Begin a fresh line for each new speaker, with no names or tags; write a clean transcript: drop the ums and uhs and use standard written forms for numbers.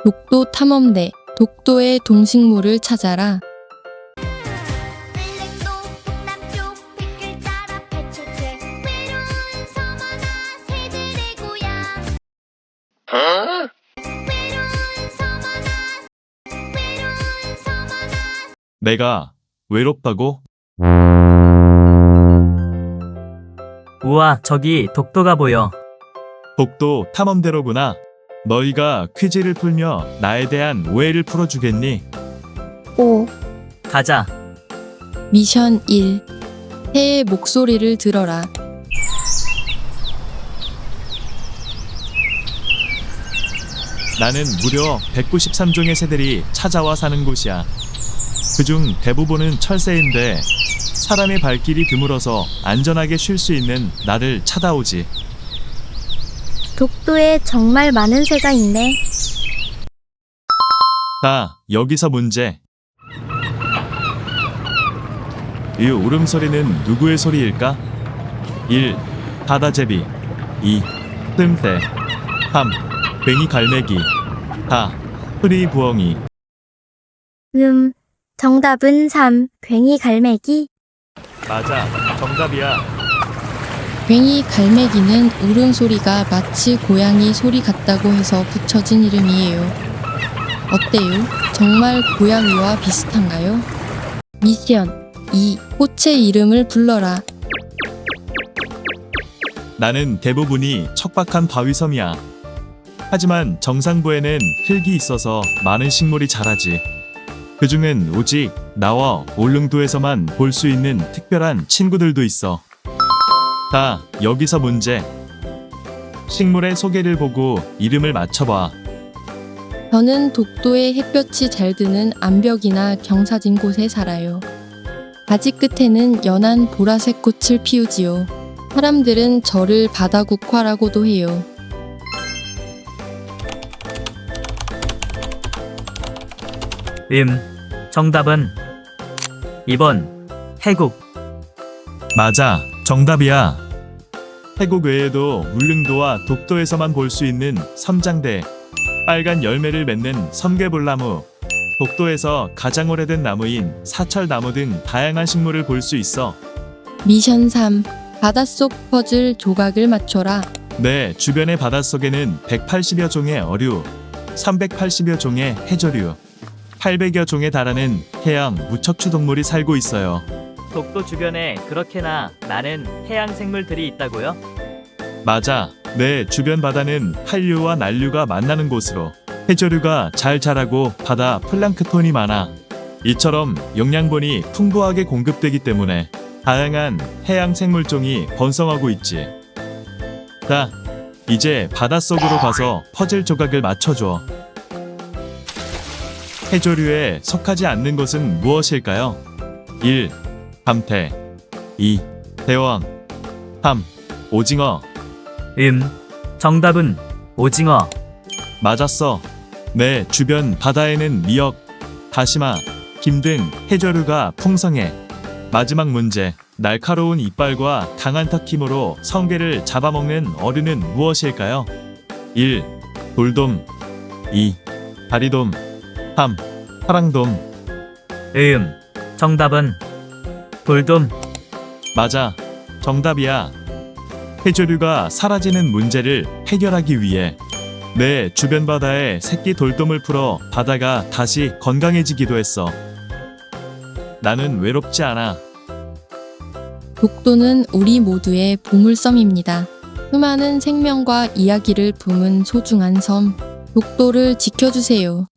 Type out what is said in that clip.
독도 탐험대, 독도의 동식물을 찾아라.
을rek도 북남쪽 빗길 따라 펼쳐진 외로운 섬하나 새들의 고향. 외로운 섬하나
내가 외롭다고?
우와, 저기 독도가 보여.
독도 탐험대로구나. 너희가 퀴즈를 풀며 나에 대한 오해를 풀어주겠니?
오.
가자.
미션 1. 새의 목소리를 들어라.
나는 무려 193종의 새들이 찾아와 사는 곳이야. 그중 대부분은 철새인데 사람의 발길이 드물어서 안전하게 쉴 수 있는 나를 찾아오지.
독도에 정말 많은 새가 있네.
자, 여기서 문제. 이 울음소리는 누구의 소리일까? 1. 바다제비 2. 뜸새 3. 괭이 갈매기 4. 흐리 부엉이.
정답은 3. 괭이 갈매기.
맞아, 정답이야.
괭이 갈매기는 울음소리가 마치 고양이 소리 같다고 해서 붙여진 이름이에요. 어때요? 정말 고양이와 비슷한가요? 미션 2. 꽃의 이름을 불러라.
나는 대부분이 척박한 바위섬이야. 하지만 정상부에는 흙이 있어서 많은 식물이 자라지. 그중엔 오직 나와 울릉도에서만 볼 수 있는 특별한 친구들도 있어. 자, 여기서 문제. 식물의 소개를 보고 이름을 맞춰봐.
저는 독도에 햇볕이 잘 드는 암벽이나 경사진 곳에 살아요. 가지 끝에는 연한 보라색 꽃을 피우지요. 사람들은 저를 바다국화라고도 해요.
정답은 2번 해국.
맞아, 정답이야. 태국 외에도 울릉도와 독도에서만 볼 수 있는 섬장대, 빨간 열매를 맺는 섬개불나무, 독도에서 가장 오래된 나무인 사철나무 등 다양한 식물을 볼 수 있어.
미션 3. 바닷속 퍼즐 조각을 맞춰라.
내 주변의 바닷속에는 180여 종의 어류, 380여 종의 해조류, 800여 종에 달하는 해양 무척추 동물이 살고 있어요.
독도 주변에 그렇게나 많은 해양 생물들이 있다고요?
맞아. 내 주변 바다는 한류와 난류가 만나는 곳으로 해조류가 잘 자라고 바다 플랑크톤이 많아. 이처럼 영양분이 풍부하게 공급되기 때문에 다양한 해양 생물종이 번성하고 있지. 자, 이제 바닷속으로 가서 퍼즐 조각을 맞춰줘. 해조류에 속하지 않는 것은 무엇일까요? 1. 감태 2. 대왕 3. 오징어.
정답은 오징어.
맞았어. 내 주변 바다에는 미역, 다시마, 김 등 해조류가 풍성해. 마지막 문제. 날카로운 이빨과 강한 턱 힘으로 성게를 잡아먹는 어류는 무엇일까요? 1. 돌돔 2. 다리돔 3. 파랑돔.
정답은 돌돔.
맞아. 정답이야. 해조류가 사라지는 문제를 해결하기 위해 내 주변 바다에 새끼 돌돔을 풀어 바다가 다시 건강해지기도 했어. 나는 외롭지 않아.
독도는 우리 모두의 보물섬입니다. 수많은 생명과 이야기를 품은 소중한 섬, 독도를 지켜주세요.